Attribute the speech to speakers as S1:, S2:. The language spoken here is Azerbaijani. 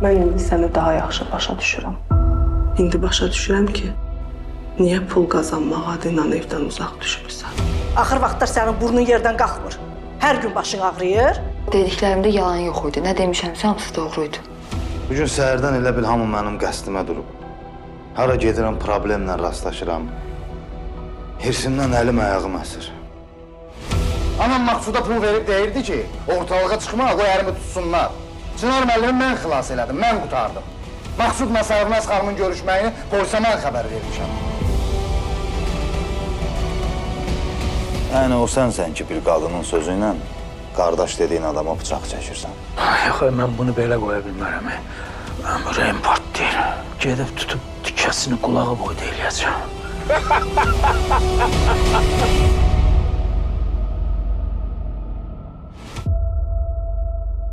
S1: Mən indi səni daha yaxşı başa düşürəm. İndi başa düşürəm ki, niyə pul qazanmaq adıyla evdən uzaq düşmüsən.
S2: Axır vaxtlar sənin burnun yerdən qalxmır. Hər gün başın ağrıyır.
S3: Dediklərimdə yalan yox idi. Nə demişəmsə hamısı doğruydu.
S4: Bugün səhərdən elə bil hamı mənim qəsdimə durub. Hara gedirəm, problemlə rastlaşıram. Hirsimdən əlim ayağım əsir. Anam Maqsuda pul verib deyirdi ki, ortalığa çıxma, qoy əlimi tutsunlar. Çınar müəllimi mən xilas elədim, mən qutardım. Maqsudla Sərvinaz xanımın görüşməyini polisə mən xəbər vermişəm. Yəni o sənsən ki, bir qadının sözü ilə qardaş dediyin adama bıçaq çəkirsən.
S5: Yox, mən bunu belə qoya bilmərəm. Mənim ürəyim partlayır. Gedib tutub tikəsini qulağı boyda eləyəcəm.